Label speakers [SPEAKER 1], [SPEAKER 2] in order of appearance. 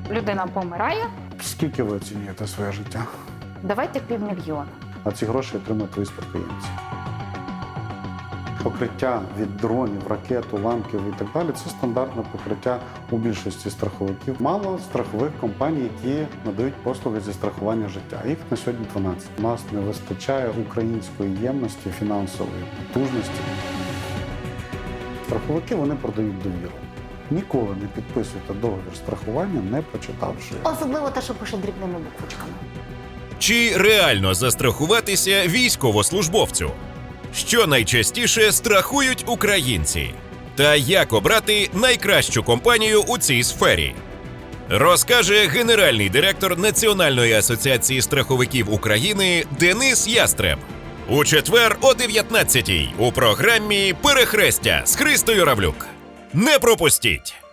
[SPEAKER 1] людина помирає,
[SPEAKER 2] Скільки ви оцінюєте своє життя?
[SPEAKER 1] давайте 500 000.
[SPEAKER 2] А ці гроші отримують твої спадкоємці. Покриття від дронів, ракет, уламків і так далі – це стандартне покриття у більшості страховиків. Мало страхових компаній, які надають послуги зі страхування життя. Їх на сьогодні 12. У нас не вистачає української ємності, фінансової потужності. Страховики, вони продають довіру. Ніколи не підписуйте договір страхування, не прочитавши його.
[SPEAKER 1] Особливо те, що пише дрібними буквочками.
[SPEAKER 3] Чи реально застрахуватися військовослужбовцю? Що найчастіше страхують українці? Та як обрати найкращу компанію у цій сфері? Розкаже генеральний директор Національної асоціації страховиків України Денис Ястреб. У четвер о 19-й у програмі «Перехрестя» з Христою Равлюк. Не пропустіть!